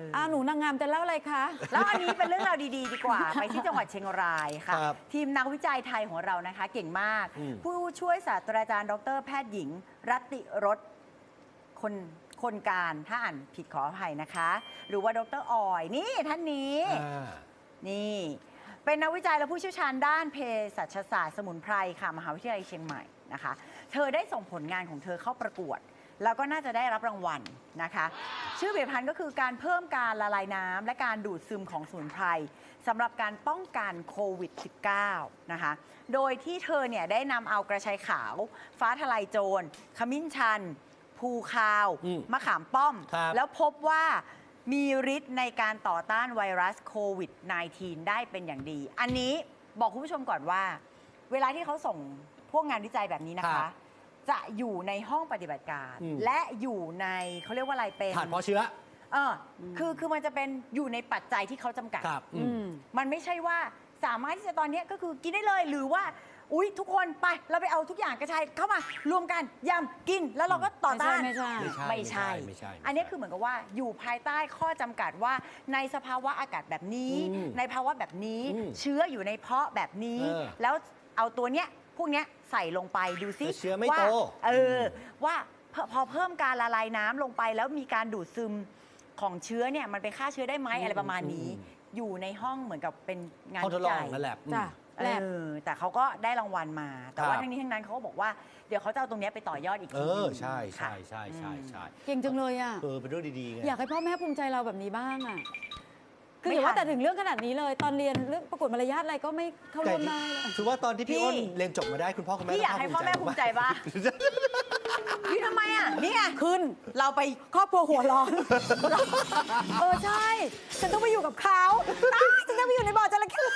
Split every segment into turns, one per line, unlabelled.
หนูนางงามจะเล่าอะไรคะ
แล้วอันนี้เป็นเรื่องราวดีๆดีกว่า ไปที่จังหวัดเชียงรายค่ะ
ครับ
ทีมนักวิจัยไทยของเรานะคะ เก่งมาก ผู้ช่วยศาสตราจารย์ดรแพทย์หญิง รัตติรสคนการถ้าอ่านผิดขออภัยนะคะ หรือว่าดรออยนี่ท่านนี้ นี่ เป็นนักวิจัยและผู้เชี่ยวชาญด้านเภสัชศาสตร์สมุนไพรค่ะมหาวิทยาลัยเชียงใหม่นะคะ เธอได้ส่งผลงานของเธอเข้าประกวด แล้วก็น่าจะได้รับรางวัลนะคะ ชื่อผลิตภัณฑ์ก็คือการเพิ่มการละลายน้ำและการดูดซึมของสมุนไพรสำหรับการป้องกันโควิด -19 นะคะ โดยที่เธอเนี่ยได้นำเอากระชายขาว ฟ้าทะลายโจรขมิ้นชัน ภูคาว มะขามป้อม แล้วพบว่ามีฤทธิ์ในการต่อต้านไวรัสโควิด -19 ได้เป็นอย่างดี อันนี้บอกคุณผู้ชมก่อนว่า เวลาที่เขาส่งพวกงานวิจัยแบบนี้นะคะ จะอยู่ในห้องปฏิบัติการ และอยู่ในเขาเรียกว่าอะไรเป็น
ผ่านเพราะเชื้อ
คือมันจะเป็นอยู่ในปัจจัยที่เขาจำกัดมันไม่ใช่ว่าสามารถที่จะตอนนี้ก็คือกินได้เลยหรือว่าอุ๊ยทุกคนไปเราไปเอาทุกอย่างกระชายเข้ามารวมกันยำกินแล้วเราก็ต่อต้าน
ไม่ใช่
อันนี้คือเหมือนกับว่าอยู่ภายใต้ข้อจำกัดว่าในสภาวะอากาศแบบนี้ ในภาวะแบบนี้เชื้ออยู่ในเพาะแบบนี้ แล้วเอาตัวเนี้ยพวกเนี้ยใส่ลงไปดูซิ
เชื้อไม่โต
ว่าพอเพิ่มการละลายน้ำลงไปแล้วมีการดูดซึมของเชื้อเนี่ยมันไปฆ่าเชื้อได้ไหมอะไรประมาณนี้ อยู่ในห้องเหมือนกับเป็นงานวิจัย
นั่นแหละ
แต่เขาก็ได้รางวัลมา แต่ว่าทั้งนี้ทั้งนั้นเขาก็บอกว่าเดี๋ยวเขาจะเอาตรงนี้ไปต่อยอดอีกทีนึง
ใช่
เก่งจังเลยอ่ะ
เป็นเรื่องดีๆไง
อยากให้พ่อแม่ภูมิใจเราแบบนี้บ้างอ่ะคืออย่าว่าแต่ถึงเรื่องขนาดนี้เลย ตอนเรียนเรื่องประกวดมารยาทอะไรก็ไม่เข้าร่วมได้เลย
คือว่าตอนที่พี่อ้นเรียนจบมาได้คุณพ่อคุณแม่
พี่อยากให้พ่อแม่ภูมิใจป่ะพี่ทำไมอ่ะนี่ไง
ขึ้นเราไปครอบครัวหัวร้อนใช่ ฉันต้องไปอยู่กับเขาฉันต้องไปอยู่ในบ่อจระเข้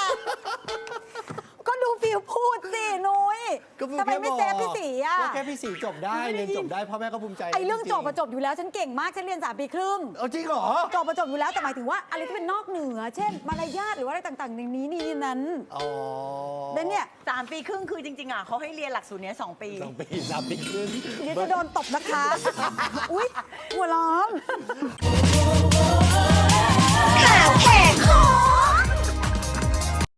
ก็ดูฟิลพูดสินุ้ยทำไมไม่เซฟพี่สีอ่ะ
แค่พี่สีจบได้เรียนจบได้พ่อแม่ก็ภูมิใจ
ไอ้เรื่องจบมาจบอยู่แล้วฉันเก่งมากฉันเรียน3 ปีครึ่ง
จริงเหรอ
จบมาจบอยู่แล้วแต่หมายถึงว่าอะไรที่เป็นนอกเหนือ เช่นมารยาทหรือว่าอะไรต่างๆอย่างนี้นี่นั้นเนี่ย
3 ปีครึ่งคือจริงๆอ่ะเขาให้เรียนหลักสูตรนี้2 ปี
3 ปีครึ่ง
เดี๋ยวจะโดนตบนะคะอุ๊ยหัวร้อน